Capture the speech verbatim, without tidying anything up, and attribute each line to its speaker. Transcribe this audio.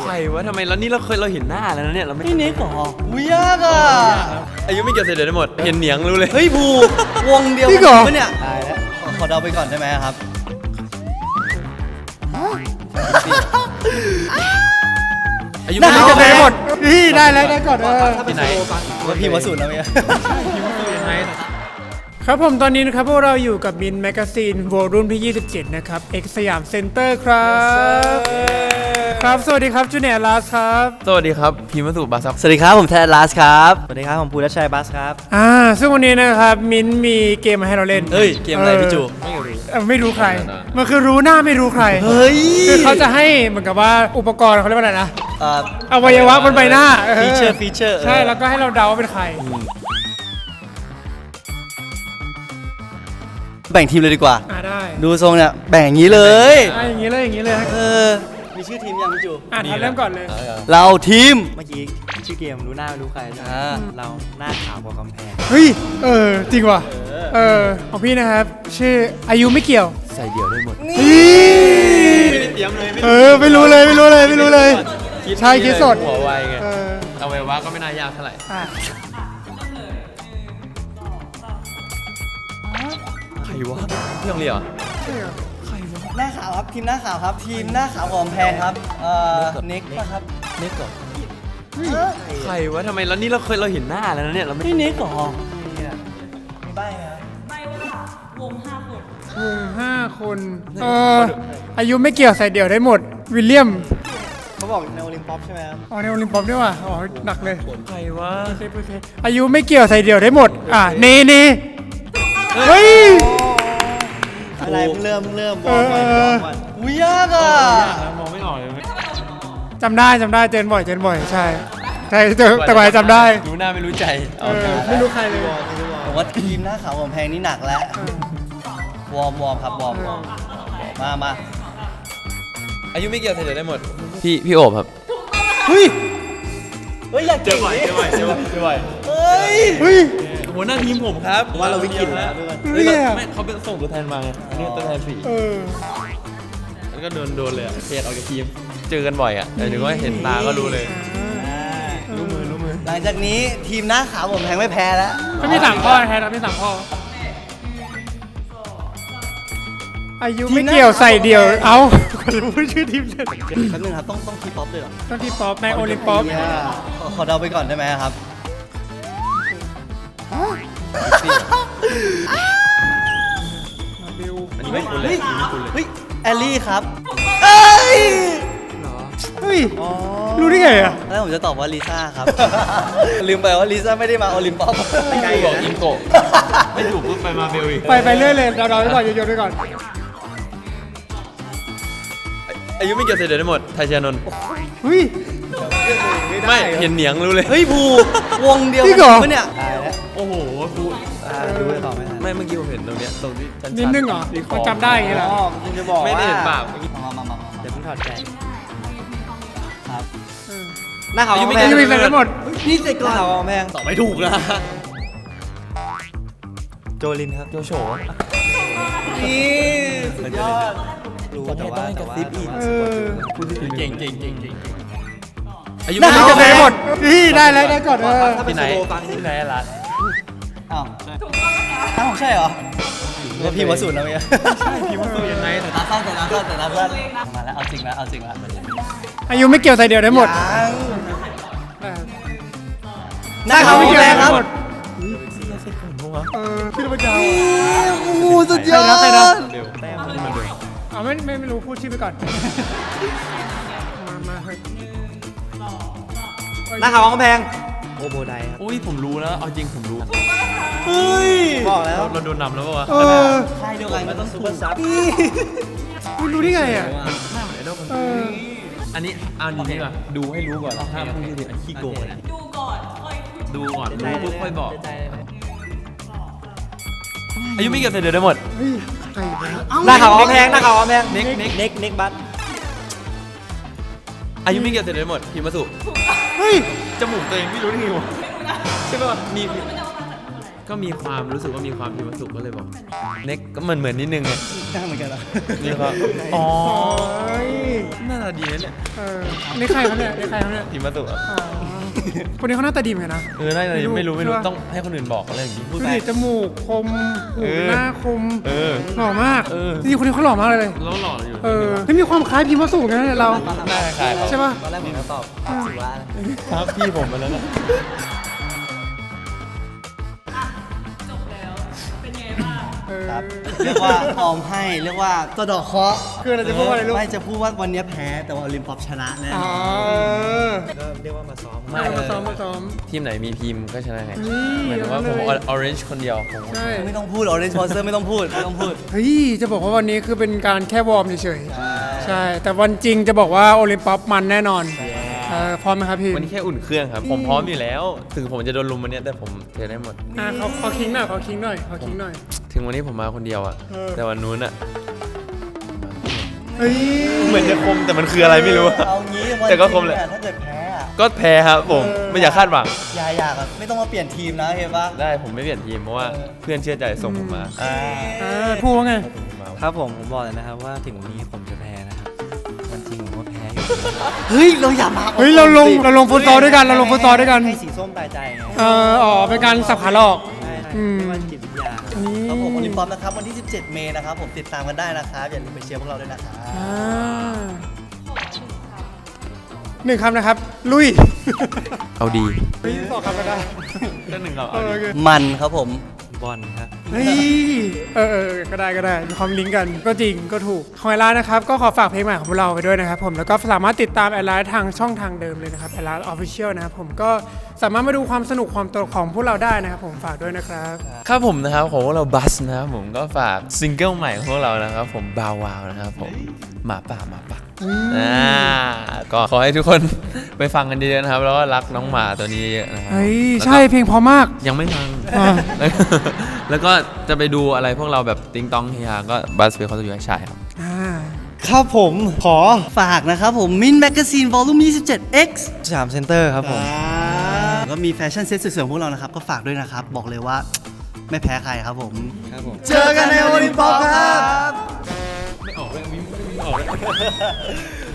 Speaker 1: รวะทำไมแล้วนี่เราเคยเราเห็นหน้าแล้วนะเนี่ยเราไม่
Speaker 2: นี่นิกเหรออุ้ยยากอ่ะ
Speaker 1: อายุไม่เกี่ยวเสร็จเดี๋ยวได้หมดเห็นเหนียงรู้เลย
Speaker 2: เฮ้ยผูวงเดียวกันเนี่ยตายแล้วขอเดาไปก่อนได้ไหมครับ
Speaker 1: อายุไม่
Speaker 3: ได้
Speaker 1: เกี่ยว
Speaker 3: ได้หมดนี่ได้แล้วได้ก่อนเออ
Speaker 1: ที่ไหน
Speaker 2: ว่าพี่มาสูตรแล้วเนี่ย
Speaker 3: ครับผมตอนนี้นะครับพวกเราอยู่กับมินแมกกาซีนโวลุ่มที่ยี่สิบเจ็ดนะครับเอ็กสยามเซ็นเตอร์ครับครับสวัสดีครับจูเนียร์ลาสครับ
Speaker 1: สวัสดีครับพีมาสุบาซับ
Speaker 2: สวัสดีครับผมแทนลาสครับสวัสดีครับผมภูรัชชัยบัสครับ
Speaker 3: อ่าซึ่งวันนี้นะครับมินมีเกมมาให้เราเล่น
Speaker 2: เฮ้ยเกมอะไรพี่จู
Speaker 3: เอ่อไม่รู้ใครมันคือรู้หน้าไม่รู้ใคร
Speaker 2: เฮ้ย
Speaker 3: คือเขาจะให้เหมือนกับว่าอุปกรณ์เขาเรียกว่าอะไรนะ
Speaker 2: เอ่อ
Speaker 3: อวัยวะบนใบหน้า
Speaker 2: ฟีเจอร์ฟีเจอร์
Speaker 3: ใช่แล้วก็ให้เราเดาว่าเป็นใคร
Speaker 2: แบ่งทีมเลยดีกว่า
Speaker 3: อ่าได้
Speaker 2: ดูทรงเนี่ยแบ่งอย่างนี้เลย
Speaker 3: อ่าอย่างนี้เลยอย่างนี้เลย
Speaker 2: เออมีชื่อทีมยังพี่จู
Speaker 3: อ่าทันเริ่มก่อนเลย
Speaker 2: เราทีม
Speaker 4: เมื่อกี้ชื่อเกมรู้หน้าไม่รู้ใครใช่ไหม
Speaker 2: อ่า
Speaker 4: เราหน้าขาวกว่ากำแพง
Speaker 3: เฮ้ยเออจริงว่ะเออของพี่นะครับชื่ออายุไม่เกี่ยว
Speaker 1: ใส่เดี่ยวได้หมด
Speaker 3: ไม่ได้เตรียมเลยเออไม่รู้เลยไม่รู้เลยไม่รู้เลย ใช่คิดสด
Speaker 1: หัวไวไง
Speaker 3: เออ
Speaker 1: เอาไว้ว่าก็ไม่น่ายากเท่าไหร่
Speaker 3: อ่ะ
Speaker 1: ใครวะพี่ต้องเรียกเหรอ
Speaker 2: หน้าขาวครับทีมหน้าขาวครับทีมหน้าขาวของกำแพงครับเอ่อเน็กป่ะครับ
Speaker 1: เน็กเหรอใครวะทำไมแล้วนี่เราเคยเราเห็นหน้าแล้วนะเนี่ยเราไม่
Speaker 2: นี่เน็กเหรอมีใบครับ
Speaker 3: วงห้าคนเอออายุไม่เกี่ยวใส่เดี่ยวได้หมดวิลเลียม
Speaker 2: เขาบอกในโอลิมปิกใช่ไหมครับ
Speaker 3: อ๋อในโอลิมปิกด้วยว่ะอ๋อหนักเลย
Speaker 1: ใครวะ
Speaker 3: โอเคโอเคอายุไม่เกี่ยวใส่เดี่ยวได้หมดอ่ะเนเนเฮ้ย
Speaker 2: อะไรเพิ่งเริ่มเพิ่งเริ่มบอกก่อนบอกก่อนอุ้ยยากอ่ะ
Speaker 1: มองไม่ออกเลย
Speaker 3: จำได้จำได้เจอบ่อยเจอบ่อยใช่ใช่แต่แต่กว่าจะจำได้
Speaker 1: รู้หน้าไม่รู้ใจ
Speaker 3: เออไม่รู้ใครเลย
Speaker 2: ผมว่าทีมหน้าขาวของกำแพงนี่หนักแล้ววอร์มวอร์มครับวอร์มวอร์มมามา
Speaker 1: อายุไม่เกี่ยวใส่เดี่ยวได้หมดพี่พี่โอบครับ
Speaker 2: เฮ้ยเฮ้ยอยาก
Speaker 1: เจอบ่อยเจอบ่อยเจอบ่อยเจอบ่อย
Speaker 2: เฮ้ย
Speaker 3: เฮ้ย
Speaker 1: หัวหน้าทีมผมครับ
Speaker 2: ว่าเราวิกฤต
Speaker 1: แล้
Speaker 2: แล้ว ว
Speaker 1: เฮ้ย
Speaker 3: เนี่ย
Speaker 1: ไม่เขาเป็นส่งตัวแทนมาไงนี่ตัวแทนผี
Speaker 3: เออ
Speaker 1: แล้วก็โดนโดนเลยอะเทออกจากทีมเจอกันบ่อยอ่ะแต่ถึงว่าเห็นตาก็รู้เลย
Speaker 2: รู้มือรู้มือหลังจากนี้ทีมหน้าขาวผมแพงไม่แพ้แล้ว
Speaker 3: ไม่มีสามข้อแทนนะไม่มีสามข้ออายุไม่เกี่ยวใส่เดี่ยวเอ้าพูดชื่อทีมเฉย
Speaker 2: แป๊บนึงครับต้องต้องทีป๊อปเลยเหรอ
Speaker 3: ต้องที่ป๊อปในโอลิมปิก
Speaker 2: ขอขอเดาไปก่อนได้ไหมครับ
Speaker 3: บิว
Speaker 1: อันนี้ไม่คุ้นเลยอันนี้ไม่คุ้นเลย
Speaker 2: เฮ้ยแอลลี่ครับเอ้ย
Speaker 3: เฮ้ยรู้ได้ไงอ่ะ
Speaker 2: แล้วผมจะตอบว่าลิซ่าครับ ลืมไปว่าลิซ่าไม่ได้มาโอลิมปิก
Speaker 1: ไกลบอกอิงโกะไม่ถูกปุ๊บไปมาเบลอีก
Speaker 3: ไปไปเรื่อยเลยเราเราไปก่อนโยนไปก่อน
Speaker 1: อายุไม่เกี่ยวเสร็จเดี๋ยวได้หมดไทยชานนท์
Speaker 3: เฮ้ย
Speaker 1: ไม่เห็นเหนียงรู้เลย
Speaker 2: เฮ้ยภูวงเดียว
Speaker 3: จริ
Speaker 2: กั
Speaker 3: งเหรอ
Speaker 2: ปะเนี่ยตายแล้ว
Speaker 1: โอ้โหพูด
Speaker 2: ดูไปต่อไม่ทัน
Speaker 1: ไม่เมื่อกี้ผมเห็นตรงเนี้ยตรงที่ชั้นๆ
Speaker 3: นิดนึงเหรอ
Speaker 1: ที่ค
Speaker 3: มันจำได้อย่างงี้เหรอ
Speaker 2: อ๋อคุณจะบอกว่า
Speaker 1: ไม่ได้เห็นปาก
Speaker 2: มามามามา
Speaker 4: เดี๋ยวเพิ่งถอดใจ
Speaker 2: ครับ
Speaker 4: หน้าขาว
Speaker 1: อายุ
Speaker 4: กำ
Speaker 1: ไม่
Speaker 4: แพ
Speaker 1: เกี่
Speaker 4: ง
Speaker 1: ยว
Speaker 3: อายุไม่เกี่ยวใส่หมด
Speaker 2: นี่เสร็จก่อนขาวแพงตอบไม่ถูกนะ
Speaker 4: โจลินครับ
Speaker 1: โจโฉ
Speaker 2: นี่สุดยอด
Speaker 4: รู้แต่ว่าแต่ว่า
Speaker 3: เออ
Speaker 1: เก่งเก่งเก่งเก่งอายุ
Speaker 3: อา
Speaker 1: ไม่
Speaker 3: ยุ
Speaker 1: เกี่
Speaker 3: จะ
Speaker 1: ยว
Speaker 3: ใส่หมดนี่ได้แล้วได้ก่อนเออ
Speaker 1: ที่ไหนที่ไหนอะรัฐ
Speaker 2: อ้าวอ้าวใช่เหรอว่าพี่มาสูตรแล้วเนี่ย
Speaker 1: พิมพ์ตัวยังไงแต่
Speaker 2: ตาสั้นแต่ตาสั้นแต่ตาสั้นมาแล้วเอาจริงแล้วเอาจริงแล้ว
Speaker 3: อายุไม่เกี่ยวใส่เดี่ยวได้หมด
Speaker 2: หน้าขาว
Speaker 3: ไม่
Speaker 2: ไม่
Speaker 3: เกี่
Speaker 2: เกี่
Speaker 3: ย
Speaker 2: ยว ว
Speaker 3: ใส่
Speaker 2: ครับ
Speaker 3: หมด เออพี่ระเจ้า
Speaker 2: โอ้โหสุดยอด
Speaker 3: ใครนะ
Speaker 1: เบลแต้มขึ้นมาเบล
Speaker 3: เอาไม่ไม่ไม่รู้พูดชื่อไปก่อนมามาเฮ้ย
Speaker 4: หน้าขาวกำแพงโอโบไดครับ
Speaker 1: อุ้ยผมรู้แล้วเอาจริงผมรู้
Speaker 2: เฮ้ย
Speaker 4: บอกแล้ว
Speaker 1: เราโดนนำแล้วป่าวะ
Speaker 3: เออ
Speaker 2: ใช่เดียวกันมันต้องซุปเปอร์ซับ
Speaker 3: ไม่รู้ได้ไงอ่ะ
Speaker 1: หน้าเหมือนไอดอลคน
Speaker 3: เออ
Speaker 1: อันนี้เอาอันนี้ดีกว่าดูให้รู้ก่อนห้ามพูดที่อันขี้โกงนะดูก่อนค่อยดูก่อนรู้ปุ๊บค่อยบอกอายุไม่เกี่ยวเสร็จเดี๋ยวได้หมด
Speaker 3: เฮ้ยใครวะ
Speaker 4: หน้าขาวกำแพงหน้าขาวกำแพง
Speaker 1: เน็กเน็ก
Speaker 4: เน็กเน็กบัส
Speaker 1: อายุไม่เกี่ยวเสร็จเดี๋ยวได้หมดพิมพ์มาสุ
Speaker 3: เฮ้ย
Speaker 1: จมูกตัวเองไม่รู้ได้ไงวะใช่ป่ะมีก็มีความรู้สึกว่ามีความพิมพ์สุขก็เลยบอกเน็กก็เหมือนเหมือนนิดนึงไง
Speaker 2: ได้เหมือนกันเหรอ
Speaker 1: มีความอ๋อ
Speaker 3: เฮ้ย
Speaker 1: น่าจะดีนะเนี่ย
Speaker 3: เออนี่ใครครับเนี่ยนี่ใครครับเนี่ย
Speaker 1: พิมพ์สุขอะ
Speaker 3: อ๋อคนนี้เขาหน้าตาดีเหมือนกันนะ
Speaker 1: เออน่าจะไม่รู้ไม่รู้
Speaker 3: ใช่ปะ
Speaker 1: ต้องให้คนอื่นบอกอะไรอย่างนี้พู
Speaker 3: ดู
Speaker 1: ดไป
Speaker 3: ดิจมูกคมหู
Speaker 1: เออ
Speaker 3: หน้าคม
Speaker 1: เออ
Speaker 3: หล่อมาก
Speaker 1: เออ
Speaker 3: จริงๆคนนี้เขาหล่อมากเลยเลย
Speaker 1: แล้วหล่ออยู่
Speaker 3: เออไม่มีความคล้ายพิมพ์วัสดุกันนะเรา
Speaker 1: หน้าคล้ายๆ
Speaker 3: ใช่ปะ
Speaker 2: ตอนแรกผมก็ตอบสิว่า
Speaker 1: ครับพี่ผมมาแล้วนะ
Speaker 3: เออ
Speaker 2: ครับเรียกว่าออมให้เรียกว่าสะเดอกเคราะห์
Speaker 3: คืออะไรจะพูดว่าอะไรลูก
Speaker 2: ไม่จะพูดว่าวันนี้แพ้แต่ว่าโอลิมปอปชนะแน่
Speaker 3: อ๋อ
Speaker 4: ก็เรียกว่ามาซ้อม
Speaker 3: เออมาซ้อมมาซ้อม
Speaker 1: ทีมไหนมีพิมพ์ก็ชนะไง
Speaker 3: นี่
Speaker 1: หมายถึงว่าผม
Speaker 3: เอาเลย
Speaker 1: ออเรนจ์คนเดียวผม
Speaker 3: ใช่
Speaker 2: ไม่ต้องพูดออเรนจ์สปอนเซอร์ไม่ต้องพูดไม่ต้องพูด
Speaker 3: เฮ้ยจะบอกว่าวันนี้คือเป็นการแค่วอร์มเฉยๆใช่ แต่วันจริงจะบอกว่าโอลิมปัสมันแน่นอนเออพร้อมไหมครับพี่
Speaker 1: วันนี้แค่อุ่นเครื่องครับ ผมพร้อมอยู่แล้ว ถึงผมจะโดนลุมวันเนี้ยแต่ผมเทได้หมด
Speaker 3: อ่ะเขาเขาคิงหน่อยเขาคิงหน่อยเขาคิงหน่อย
Speaker 1: ถึงวันนี้ผมมาคนเดียวอะ
Speaker 3: เออ
Speaker 1: แต่วันนู้นอะ
Speaker 3: เฮ้ย
Speaker 1: เหมือนจะคมแต่มันคืออะไรไม่รู้อะ
Speaker 2: เอางี้วัน
Speaker 1: แต่ก็คมแหละ
Speaker 2: จริงอะถ้าเกิดแพ้อะ
Speaker 1: ก็แพ้ครับผมไม่อยากคาดหวัง
Speaker 2: อย่าอยากอะไม่ต้องมาเปลี่ยนทีมนะเห็นปะ
Speaker 1: ได้ผมไม่เปลี่ยนทีมเพราะว่าเพื่อนเชื่อใจส่งผมมา
Speaker 2: อ่า
Speaker 3: อ่าพูดว่าไง
Speaker 4: ครับผมผมบอกเลยนะครับว่าถึงวันนี้ผมจะแพ้นะครับวันจริงผมก็แพ้อยู่
Speaker 2: เฮ้ยเราอย่ามา
Speaker 3: เฮ้ยเราลงเราลงฟุตซอลด้วยกันเราลงฟุตซอลด้วยกัน
Speaker 4: ให้สีส้มตายใจไง
Speaker 3: เอออ๋อเป็นการสับขาหลอก
Speaker 4: ใช่
Speaker 3: อืม
Speaker 4: ไม่ว่าจิตวิทยา
Speaker 2: ครับผมโอลิมปอปนะครับวันที่สิบเจ็ดเมษนะครับผมติดตามกันได้นะครับอย่าลืมไปเชียร์พวกเราด้วยนะครับ
Speaker 3: อ่าหนึ่งคำนะครับ ลุย
Speaker 1: เอาดี
Speaker 3: เฮ้ยสองคำก็ได้
Speaker 1: ก็หนึ่งเอา
Speaker 3: เออโอเค
Speaker 2: มันครับผม
Speaker 4: บอลครับ
Speaker 3: เฮ้ยเออเออก็ได้ก็ได้มีความลิงก์กันก็จริงก็ถูกของแอดไลน์นะครับก็ขอฝากเพลงใหม่ของพวกเราไปด้วยนะครับผมแล้วก็สามารถติดตามแอดไลน์ทางช่องทางเดิมเลยนะครับแอดไลน์ออฟฟิเชียลนะครับผมก็สามารถมาดูความสนุกความตลกของพวกเราได้นะครับผมฝากด้วยนะครับ
Speaker 1: ครับผมนะครับของพวกเราบัสนะครับผมก็ฝากซิงเกิลใหม่ของพวกเรานะครับผมบาวาวนะครับผมหมาป่าหมาป่าอ่าก็ขอให้ทุกคน ไปฟังกันเยอะๆนะครับแล้วก็รักน้องหมาตัวนี้เยอะๆนะครับ
Speaker 3: เฮ้ย
Speaker 1: แล้วก็
Speaker 3: ใช่เพลงเพอมาก
Speaker 1: ยังไม่ฟัง
Speaker 3: อ่า
Speaker 1: แล้วก็จะไปดูอะไรพวกเราแบบติงตองเฮียก็บัสเฟคเขาจะอยู่ให้ชายครับ
Speaker 3: อ่า
Speaker 4: ครับผมขอ
Speaker 2: ฝากนะครับผมมินแมกกาซีนวอลลุ่มยี่สิบเจ็ด X
Speaker 4: สามเซนเตอร์ครับผม
Speaker 2: ก็มีแฟชั่นเซ็ตสวยๆของพวกเรานะครับก็ฝากด้วยนะครับบอกเลยว่าไม่แพ้ใครครับผม
Speaker 4: ครับผม
Speaker 2: เจอกันในโอลิมปอปครับ
Speaker 1: ไม่ออกเลยไม่ออกเลย